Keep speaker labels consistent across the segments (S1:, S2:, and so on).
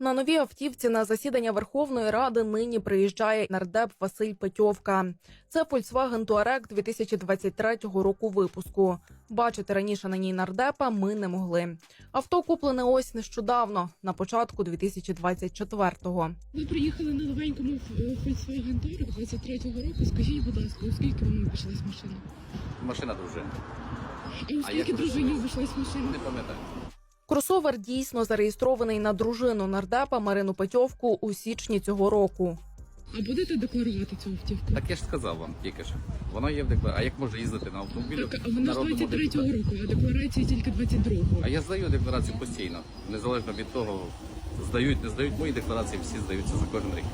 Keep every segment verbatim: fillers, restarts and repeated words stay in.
S1: На новій автівці на засідання Верховної Ради нині приїжджає нардеп Василь Петьовка. Це Volkswagen Touareg дві тисячі двадцять третього року випуску. Бачити раніше на ній нардепа ми не могли. Авто куплене ось нещодавно, на початку дві тисячі двадцять четвертого.
S2: Ви приїхали на новенькому Volkswagen Touareg двадцять третього року. Скажіть, будь ласка, у скільки вам обійшлась машина?
S3: Машина дружини.
S2: І у скільки дружині обійшлась машина?
S3: Не пам'ятаю.
S1: Кросовер дійсно зареєстрований на дружину нардепа Марину Петьовку у січні цього року.
S2: А будете декларувати цю автівку?
S3: Так я ж сказав вам тільки що. Воно є в декларації. А як можна їздити на автомобілі?
S2: Так, а вона ж
S3: народному
S2: двадцять третього
S3: депутату?
S2: року, а декларації тільки двадцять другого.
S3: А я здаю декларацію постійно. Незалежно від того, здають, не здають. Мої декларації всі здаються за кожен рік.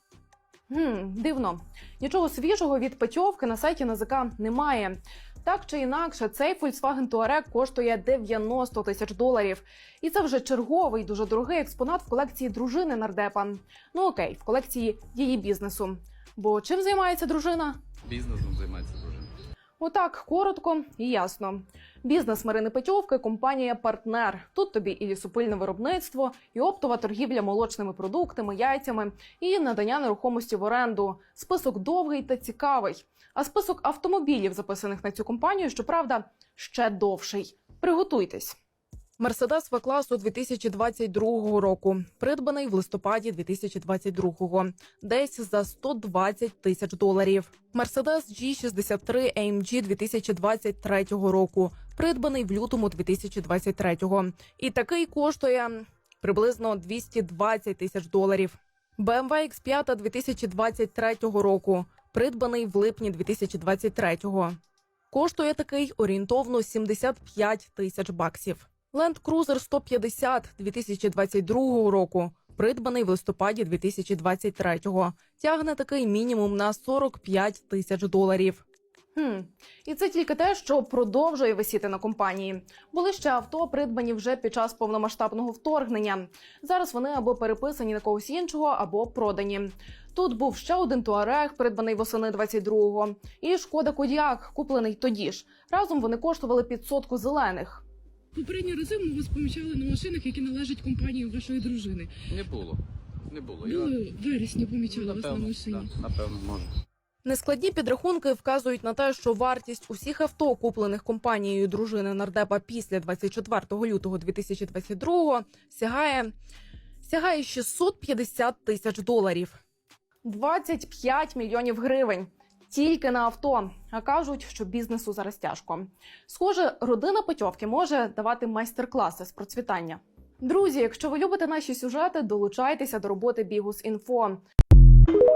S1: Гм, дивно. Нічого свіжого від Петьовки на сайті НАЗК немає. Так чи інакше, цей Volkswagen Touareg коштує дев'яносто тисяч доларів. І це вже черговий дуже дорогий експонат в колекції дружини нардепа. Ну окей, в колекції її бізнесу. Бо чим займається дружина?
S3: Бізнесом займається дружина.
S1: Отак, коротко і ясно. Бізнес Марини Петьовки – компанія «Партнер». Тут тобі і лісопильне виробництво, і оптова торгівля молочними продуктами, яйцями, і надання нерухомості в оренду. Список довгий та цікавий. А список автомобілів, записаних на цю компанію, щоправда, ще довший. Приготуйтесь. Мерседес В-класу дві тисячі двадцять другого року, придбаний в листопаді дві тисячі двадцять другого, десь за сто двадцять тисяч доларів. Мерседес Джі шістдесят три ей ем джі дві тисячі двадцять третього року, придбаний в лютому дві тисячі двадцять третього. І такий коштує приблизно двісті двадцять тисяч доларів. Бе ем ве ікс п'ять дві тисячі двадцять третього року, придбаний в липні дві тисячі двадцять третього. Коштує такий орієнтовно сімдесят п'ять тисяч баксів. Land Cruiser сто п'ятдесят дві тисячі двадцять другого року, придбаний в листопаді дві тисячі двадцять третього. Тягне такий мінімум на сорок п'ять тисяч доларів. Хм. І це тільки те, що продовжує висіти на компанії. Були ще авто, придбані вже під час повномасштабного вторгнення. Зараз вони або переписані на когось іншого, або продані. Тут був ще один Touareg, придбаний восени двадцять другого, і Шкода Кодіак, куплений тоді ж. Разом вони коштували під сотку зелених.
S2: Попередні рази ми вас помічали на машинах, які належать компанії вашої дружини.
S3: Не було. Не було.
S2: Були в вересні помічали вас на
S3: Напевно,
S2: машині.
S3: да, напевно, може.
S1: Нескладні підрахунки вказують на те, що вартість усіх авто, куплених компанією дружини нардепа після двадцять четвертого лютого дві тисячі двадцять другого, сягає, сягає шістсот п'ятдесят тисяч доларів. двадцять п'ять мільйонів гривень. Тільки на авто. А кажуть, що бізнесу зараз тяжко. Схоже, родина Петьовки може давати майстер-класи з процвітання. Друзі, якщо ви любите наші сюжети, долучайтеся до роботи Бігус.Інфо.